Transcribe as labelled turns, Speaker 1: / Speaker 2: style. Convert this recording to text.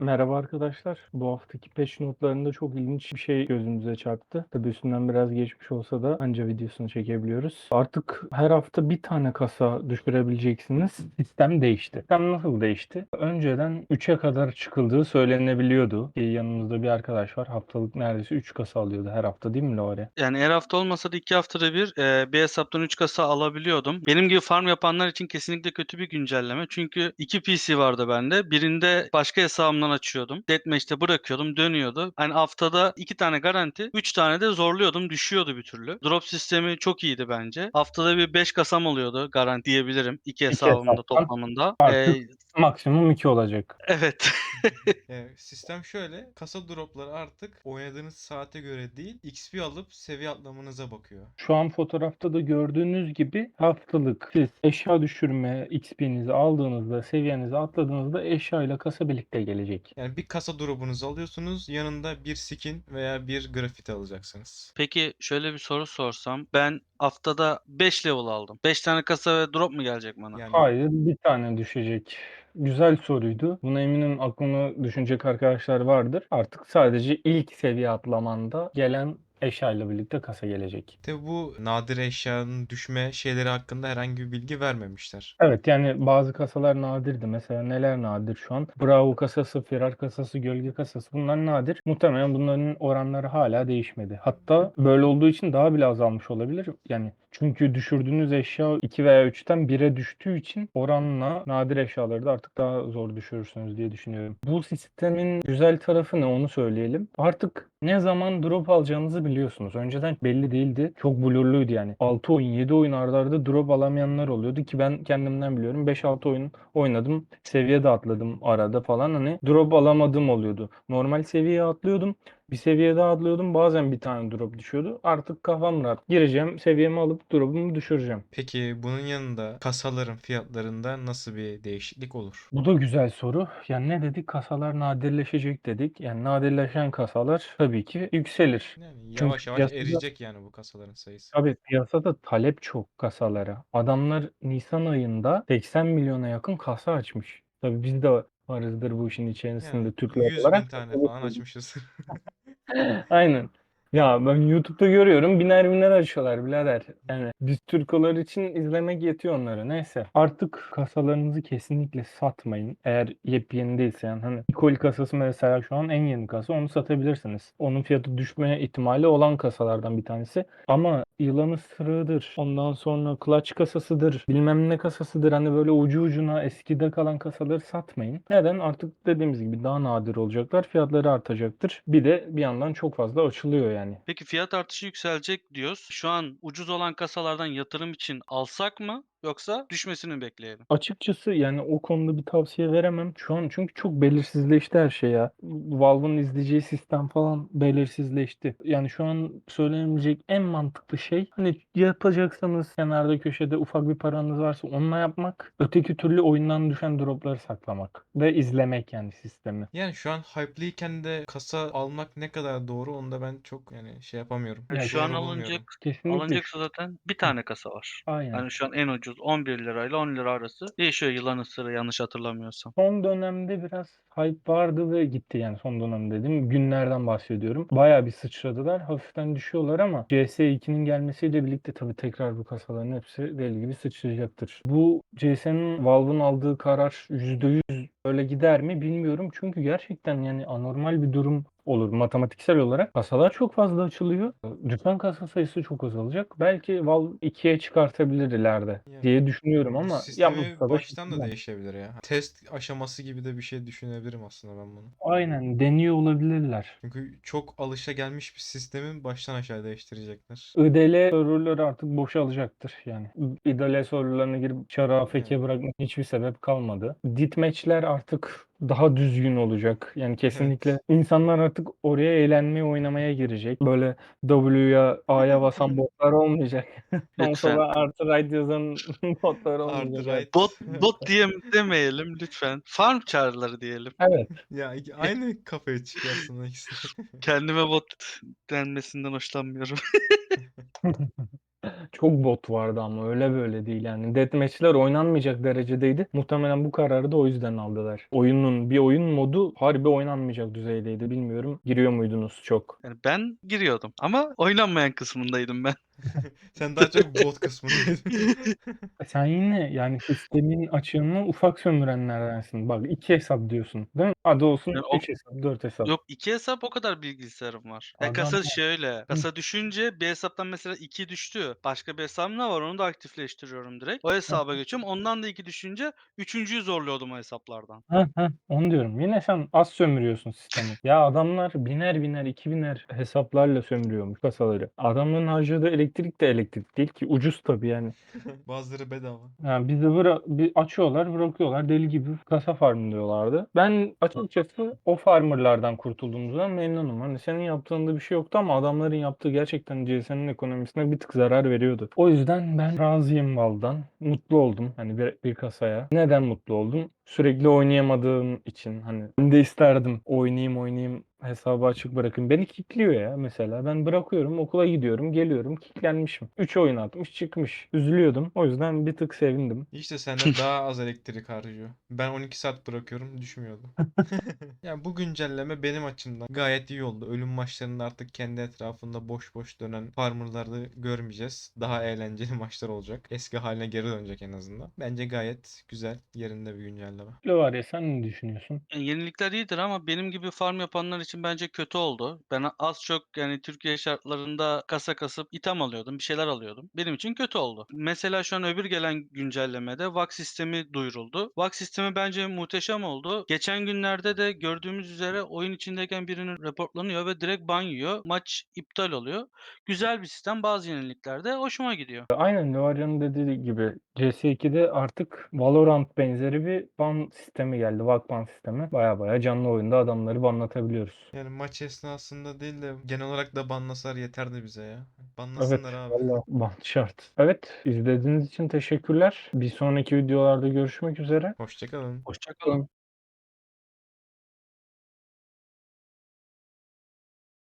Speaker 1: Merhaba arkadaşlar. Bu haftaki patch notlarında çok ilginç bir şey gözümüze çarptı. Tabii üstünden biraz geçmiş olsa da anca videosunu çekebiliyoruz. Artık her hafta bir tane kasa düşürebileceksiniz. Sistem değişti. Sistem nasıl değişti? Önceden 3'e kadar çıkıldığı söylenebiliyordu. Yanımızda bir arkadaş var. Haftalık neredeyse 3 kasa alıyordu her hafta, değil mi Lore?
Speaker 2: Yani her hafta olmasa da 2 haftada bir hesaptan 3 kasa alabiliyordum. Benim gibi farm yapanlar için kesinlikle kötü bir güncelleme. Çünkü 2 PC vardı bende. Birinde başka hesabımdan açıyordum. Deathmatch'te bırakıyordum, dönüyordu. Hani haftada 2 tane garanti, 3 tane de zorluyordum, düşüyordu bir türlü. Drop sistemi çok iyiydi bence. Haftada bir 5 kasam oluyordu garanti diyebilirim 2
Speaker 1: 2
Speaker 2: hesabımda
Speaker 1: hesaptan
Speaker 2: toplamında.
Speaker 1: artık maksimum 2 olacak.
Speaker 2: Evet.
Speaker 3: Sistem şöyle, kasa dropları artık oynadığınız saate göre değil, XP alıp seviye atlamanıza bakıyor.
Speaker 1: Şu an fotoğrafta da gördüğünüz gibi haftalık siz eşya düşürme XP'nizi aldığınızda, seviyenizi atladığınızda eşya ile kasa birlikte gelecek.
Speaker 3: Yani bir kasa drop'unuzu alıyorsunuz, yanında bir skin veya bir grafiti alacaksınız.
Speaker 2: Peki şöyle bir soru sorsam. Ben haftada 5 level aldım. 5 tane kasa ve drop mu gelecek bana?
Speaker 3: Yani
Speaker 1: Hayır, bir tane düşecek. Güzel soruydu. Buna eminim aklını düşünecek arkadaşlar vardır. Artık sadece ilk seviye atlamanda gelen eşya ile birlikte kasa gelecek.
Speaker 3: tabi bu nadir eşyanın düşme şeyleri hakkında herhangi bir bilgi vermemişler.
Speaker 1: Evet, yani bazı kasalar nadirdi. Mesela neler nadir şu an? Bravo kasası, Firar kasası, Gölge kasası, bunlar nadir. Muhtemelen bunların oranları hala değişmedi. Hatta böyle olduğu için daha bile azalmış olabilir. Yani çünkü düşürdüğünüz eşya 2 veya 3'ten 1'e düştüğü için oranla nadir eşyaları da artık daha zor düşürürsünüz diye düşünüyorum. Bu sistemin güzel tarafı ne, onu söyleyelim. Artık ne zaman drop alacağınızı biliyorsunuz. Önceden belli değildi. Çok blurluydu yani. 6 oyun, 7 oyun arda arda drop alamayanlar oluyordu ki ben kendimden biliyorum. 5-6 oyun oynadım. Seviye de atladım arada falan. Hani drop alamadığım oluyordu. Normal seviyeye atlıyordum. Bir seviye daha atlıyordum. Bazen bir tane drop düşüyordu. Artık kafam rahat. Gireceğim, seviyemi alıp drop'umu düşüreceğim.
Speaker 3: Peki bunun yanında kasaların fiyatlarında nasıl bir değişiklik olur?
Speaker 1: Bu da güzel soru. Yani ne dedik? Kasalar nadirleşecek dedik. Yani nadirleşen kasalar tabii ki yükselir.
Speaker 3: Yani
Speaker 1: Çünkü
Speaker 3: yavaş yavaş
Speaker 1: piyasada
Speaker 3: eriyecek yani bu kasaların sayısı.
Speaker 1: Tabii piyasada talep çok kasalara. Adamlar Nisan ayında 80 milyona yakın kasa açmış. Tabii biz de varızdır bu işin içerisinde
Speaker 3: Yani
Speaker 1: Türkler
Speaker 3: 100 bin
Speaker 1: olarak.
Speaker 3: tane falan açmışız.
Speaker 1: Aynen. Ya ben YouTube'da görüyorum, biner biner açıyorlar birader. Yani biz Türkolar için izlemek yetiyor onlara. Neyse. Artık kasalarınızı kesinlikle satmayın. Eğer yepyeni değilse, yani hani Nikol kasası mesela şu an en yeni kasa, onu satabilirsiniz. Onun fiyatı düşme ihtimali olan kasalardan bir tanesi. Ama yılanı sırığıdır. Ondan sonra clutch kasasıdır. Bilmem ne kasasıdır. Hani böyle ucu ucuna eskide kalan kasaları satmayın. Neden? Artık dediğimiz gibi daha nadir olacaklar. Fiyatları artacaktır. Bir de bir yandan çok fazla açılıyor yani.
Speaker 2: Peki fiyat artışı yükselecek diyoruz. Şu an ucuz olan kasalardan yatırım için alsak mı yoksa düşmesini mi bekleyelim?
Speaker 1: Açıkçası yani o konuda bir tavsiye veremem şu an, çünkü çok belirsizleşti her şey ya. Valve'ın izleyeceği sistem falan belirsizleşti. Yani şu an söylenebilecek en mantıklı şey, hani yapacaksanız kenarda köşede ufak bir paranız varsa onunla yapmak. Öteki türlü oyundan düşen dropları saklamak ve izlemek yani sistemi.
Speaker 3: Yani şu an hype'lıyken de kasa almak ne kadar doğru onu da ben çok yani şey yapamıyorum.
Speaker 1: Ya
Speaker 2: Şu an
Speaker 3: Doğru
Speaker 2: alınacak
Speaker 3: bulmuyorum.
Speaker 1: kesinlikle
Speaker 2: alınacaksa zaten bir
Speaker 1: Hı,
Speaker 2: tane kasa var.
Speaker 1: aynen.
Speaker 2: Hani şu an en ucuz 11 lirayla 10 lira arası değişiyor yılan ısırığı yanlış hatırlamıyorsam.
Speaker 1: Son dönemde biraz hype vardı ve gitti, yani son dönem dediğim günlerden bahsediyorum. Bayağı bir sıçradılar. Hafiften düşüyorlar ama CS2'nin gelmesiyle birlikte tabii tekrar bu kasaların hepsi deli gibi sıçrayacaktır. Bu CS'nin Valve'ın aldığı karar %100 öyle gider mi bilmiyorum. Çünkü gerçekten yani anormal bir durum olur matematiksel olarak. Kasalar çok fazla açılıyor. Düşen kasa sayısı çok azalacak. Belki Valve 2'ye çıkartabilir ileride
Speaker 3: Yani
Speaker 1: diye düşünüyorum
Speaker 3: bu
Speaker 1: ama
Speaker 3: sistemi
Speaker 1: yapmasa da
Speaker 3: baştan da
Speaker 1: şaşırmam.
Speaker 3: değişebilir ya. Test aşaması gibi de bir şey düşünebilirim aslında ben bunu.
Speaker 1: Aynen, deniyor olabilirler.
Speaker 3: Çünkü çok alışagelmiş bir sistemin baştan aşağı değiştirecekler.
Speaker 1: IDL serverları artık boşalacaktır yani. IDL serverlarına girip çarı AFK
Speaker 3: Yani
Speaker 1: bırakmak hiçbir sebep kalmadı. Deathmatch'ler artık daha düzgün olacak. Yani kesinlikle
Speaker 3: evet.
Speaker 1: insanlar artık oraya eğlenmeye, oynamaya girecek. Böyle W'ya, A'ya basan botlar olmayacak.
Speaker 2: Lütfen.
Speaker 1: Konsola artı right yazan botlar
Speaker 3: Artı
Speaker 1: olmayacak artık.
Speaker 3: right.
Speaker 2: Bot demeyelim lütfen. Farm çağrıları diyelim.
Speaker 1: Evet.
Speaker 3: Ya aynı kafaya çıkıyor aslında ikisi.
Speaker 2: Kendime bot denmesinden hoşlanmıyorum.
Speaker 1: Çok bot vardı ama öyle böyle değil yani. Deathmatch'ler oynanmayacak derecedeydi. Muhtemelen bu kararı da o yüzden aldılar. Bir oyun modu harbi oynanmayacak düzeydeydi. Bilmiyorum. Giriyor muydunuz çok?
Speaker 2: Yani ben giriyordum ama oynanmayan kısmındaydım ben.
Speaker 3: Sen daha çok bot kısmındaydın.
Speaker 1: Sen yine yani sistemin açığını ufak sömürenlerdensin. Bak 2 hesap diyorsun değil mi? Hadi olsun
Speaker 2: Yani
Speaker 1: 3 hesap, 4 hesap.
Speaker 2: yok, iki hesap, o kadar bilgisayarım var.
Speaker 1: Adam
Speaker 2: Kasa şöyle. Kasa düşünce bir hesaptan mesela 2 düştü. Başka bir hesabım ne var? Onu da aktifleştiriyorum direkt. O hesaba geçiyorum. Ondan da 2 düşünce üçüncüyü zorluyordum o hesaplardan.
Speaker 1: Onu diyorum. Yine sen az sömürüyorsun sistemi. Ya adamlar biner biner, 2000'er hesaplarla sömürüyormuş kasaları. Adamların harcadığı elektrik de elektrik değil ki. Ucuz tabii yani.
Speaker 3: Bazıları bedava.
Speaker 1: Yani bir açıyorlar, bırakıyorlar. Deli gibi kasa farmlıyorlardı. Ben açıkçası o farmerlardan kurtulduğumuzdan memnunum. Hani senin yaptığında bir şey yoktu ama adamların yaptığı gerçekten CS'nin ekonomisine bir tık zarar veriyordu. O yüzden ben razıyım Val'dan. Mutlu oldum hani bir kasaya. Neden mutlu oldum? Sürekli oynayamadığım için hani ben de isterdim oynayayım hesabı açık bırakın. Beni kilitliyor ya mesela. Ben bırakıyorum, okula gidiyorum, geliyorum, kilitlenmişim. 3 oyun atmış, çıkmış. Üzülüyordum. O yüzden bir tık sevindim.
Speaker 3: İşte senden daha az elektrik harcıyor. Ben 12 saat bırakıyorum, düşmüyordu. Yani bu güncelleme benim açımdan gayet iyi oldu. Ölüm maçlarında artık kendi etrafında boş boş dönen farmerları görmeyeceğiz. Daha eğlenceli maçlar olacak. Eski haline geri dönecek en azından. Bence gayet güzel, yerinde bir güncelleme.
Speaker 1: Öyle var ya sen ne düşünüyorsun?
Speaker 2: Yenilikler iyidir ama benim gibi farm yapanlar için bence kötü oldu. Ben az çok yani Türkiye şartlarında kasa kasıp item alıyordum, bir şeyler alıyordum. Benim için kötü oldu. Mesela şu an öbür gelen güncellemede VAC sistemi duyuruldu. VAC sistemi bence muhteşem oldu. Geçen günlerde de gördüğümüz üzere oyun içindeyken birinin reportlanıyor ve direkt ban yiyor. Maç iptal oluyor. Güzel bir sistem. Bazı yenilikler de hoşuma gidiyor.
Speaker 1: Aynen Levarya'nın dediği gibi CS2'de artık Valorant benzeri bir ban sistemi geldi. VAC ban sistemi. Baya baya canlı oyunda adamları banlatabiliyoruz.
Speaker 3: Yani maç esnasında değil de genel olarak da banlasalar yeterdi bize ya.
Speaker 1: Evet,
Speaker 3: Banlasınlar abi.
Speaker 1: valla ban şart. Evet, izlediğiniz için teşekkürler. Bir sonraki videolarda görüşmek üzere.
Speaker 3: Hoşça kalın.
Speaker 2: Hoşça kalın.